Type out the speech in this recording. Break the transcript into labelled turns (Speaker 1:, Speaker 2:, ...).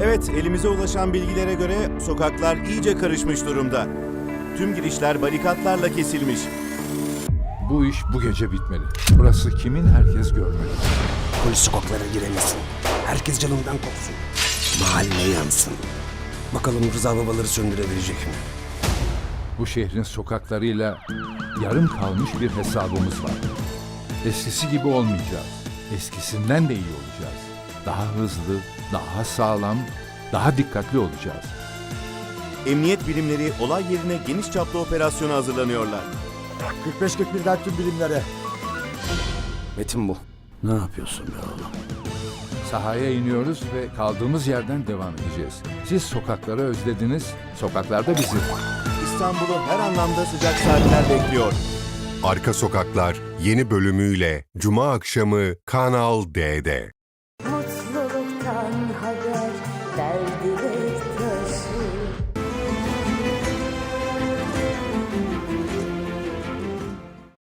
Speaker 1: Evet, elimize ulaşan bilgilere göre sokaklar iyice karışmış durumda. Tüm girişler barikatlarla kesilmiş.
Speaker 2: Bu iş bu gece bitmeli. Burası kimin herkes görmeli.
Speaker 3: Polis sokaklara giremesin. Herkes canından kopsun. Mahalle yansın. Bakalım Rıza babaları söndürebilecek mi?
Speaker 2: Bu şehrin sokaklarıyla yarım kalmış bir hesabımız var. Eskisi gibi olmayacağız. Eskisinden de iyi olacağız. Daha hızlı, daha sağlam, daha dikkatli olacağız.
Speaker 1: Emniyet birimleri olay yerine geniş çaplı operasyona hazırlanıyorlar.
Speaker 4: 45-41'den tüm bilimlere.
Speaker 3: Metin bu. Ne yapıyorsun be oğlum?
Speaker 2: Sahaya iniyoruz ve kaldığımız yerden devam edeceğiz. Siz sokakları özlediniz, sokaklar da bizi.
Speaker 1: İstanbul'u her anlamda sıcak saatler bekliyor.
Speaker 5: Arka Sokaklar yeni bölümüyle Cuma akşamı Kanal D'de.
Speaker 6: Mutluluktan haber, derdi taşı.